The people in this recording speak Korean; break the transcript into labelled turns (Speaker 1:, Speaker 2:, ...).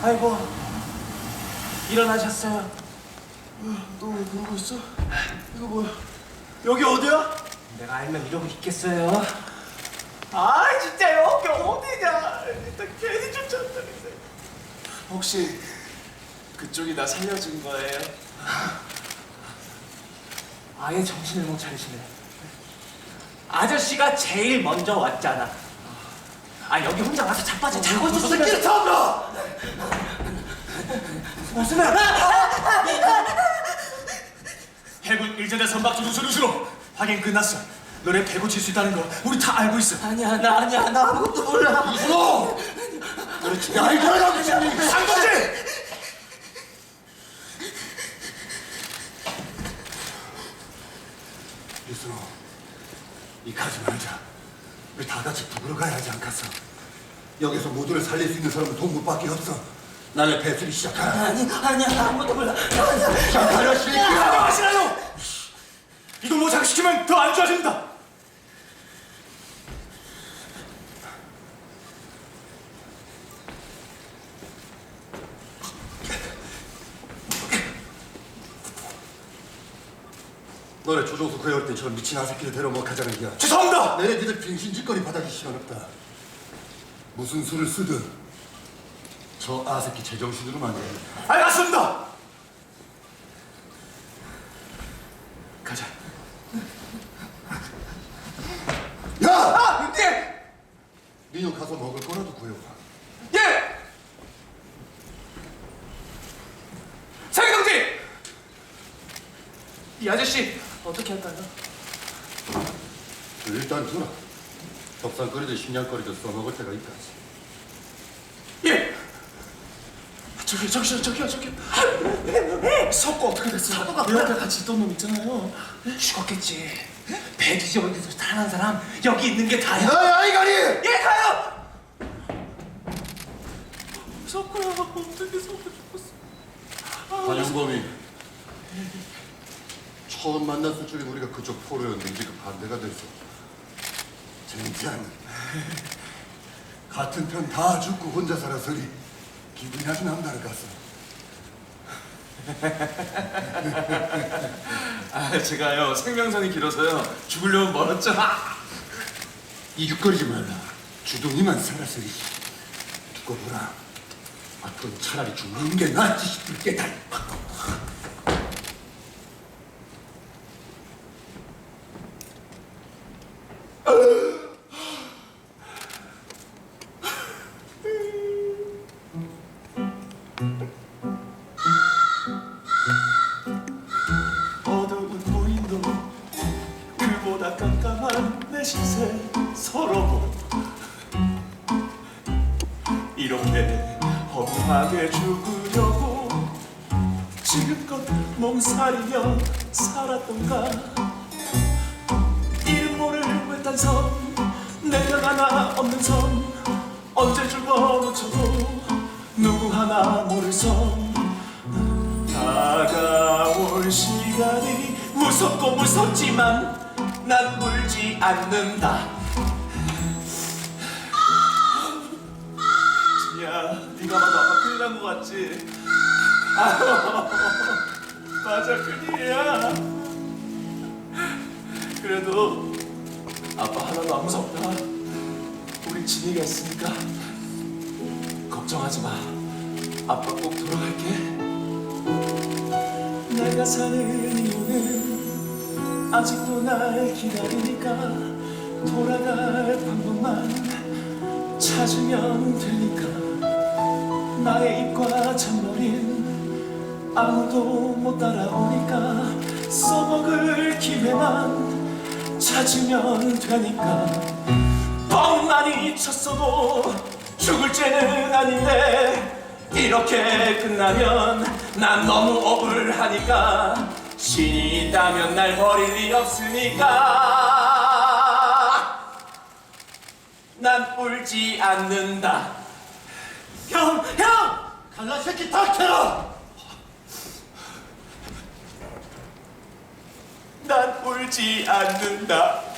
Speaker 1: 아이고, 일어나셨어요?
Speaker 2: 너 왜 그러고 있어? 이거 뭐야?
Speaker 1: 여기 어디야? 내가 알면 이러고 있겠어요? 아, 진짜 여기 어디냐? 나 괜히 쫓아왔다 그랬어요.
Speaker 2: 혹시 그쪽이 나 살려준 거예요?
Speaker 1: 아예 정신을 못 차리시네. 아저씨가 제일 먼저 왔잖아. 아, 여기 혼자 와서 자빠져 자고 있을 새끼를 처음 봐! 무슨 말?
Speaker 3: 해군 일제대 선박 조수수로 확인 끝났어. 너네 배구 칠 수 있다는 거 우리 다 알고 있어.
Speaker 1: 아니야, 나 아무것도 몰라.
Speaker 3: 이순호!
Speaker 2: 그렇지. 야, 이거 하라고
Speaker 3: 상동지!
Speaker 2: 이순호, 이 가지 말자. 우리 다 같이 북으로 가야 하지 않겠어? 여기서 모두를 살릴 수 있는 사람은 동무밖에 없어. 나를 배수리 시작하라.
Speaker 1: 아니야, 나 아무것도 몰라. 아니야.
Speaker 2: 시작하라, 새끼야!
Speaker 3: 하시라요! 이걸 뭐 장시키면 더 안 좋아진다.
Speaker 2: 너네 조종수 구해올 때 저런 미친 아새끼를 데려 뭐 가자는 게야.
Speaker 3: 죄송합니다.
Speaker 2: 내내 니들 빙신짓거리 바닥이 시간 없다. 무슨 수를 쓰든 저 아새끼 제정신으로만 해.
Speaker 3: 알겠습니다. 가자.
Speaker 2: 야!
Speaker 1: 예!
Speaker 2: 민우 가서 먹을 거라도 구해와.
Speaker 1: 예! 장경지! 이 아저씨 어떻게 할까요?
Speaker 2: 일단 두라. 덕상거리도 식량거리도 써먹을 때가 있다.
Speaker 1: 예!
Speaker 3: 저기요. 석고 어떻게 됐어?
Speaker 1: 석고가
Speaker 3: 내 옆에 같이 있던 놈 있잖아요.
Speaker 1: 죽었겠지. 배 뒤집어진 데서 살아난 사람 여기 있는 게 다야.
Speaker 2: 야야 이가리!
Speaker 1: 예, 가요!
Speaker 3: 석고야, 어떻게 석고 죽었어?
Speaker 2: 관영범이 처음 만났을 적엔 우리가 그쪽 포로였는데 지금 반대가 됐어. 젠장 같은 편 다 죽고 혼자 살아서리 기분이 아주 남다를 갔어.
Speaker 3: 제가요 생명선이 길어서요 죽으려면 멀었죠.
Speaker 2: 이죽거리지 말라. 주둥이만 살아서리. 두고 보라. 앞으로 차라리 죽는 게 낫지 싶을 게다.
Speaker 3: 어두운 무인도 그보다 깜깜한 내 시세 서러워. 이렇게 허무하게 죽으려고 지금껏 몸살이며 살았던가. 이름 모를 외딴 섬 내가 하나 없는 섬 언제 죽어놓쳐도 누구 하나 모를 섬. 다가올 시간이 무섭고 무섭지만 난 울지 않는다. 진이야, 네가 봐도 아빠 큰일 난 거 같지? 맞아, 큰일이야. 그래도 아빠 하나도 안 무섭다. 우리 진이가 있으니까 걱정하지 마. 아빠 꼭 돌아갈게. 내가 사는 이유는 아직도 날 기다리니까 돌아갈 방법만 찾으면 되니까. 나의 입과 잔머린 아무도 못 따라오니까 써먹을 기회만 찾으면 되니까. 뻥 많이 쳤어도 죽을 죄는 아닌데 이렇게 끝나면 난 너무 억울하니까. 신이 있다면 날 버릴 리 없으니까 난 울지 않는다. 형!
Speaker 2: 갈라 새끼 닥쳐라!
Speaker 3: 난 울지 않는다.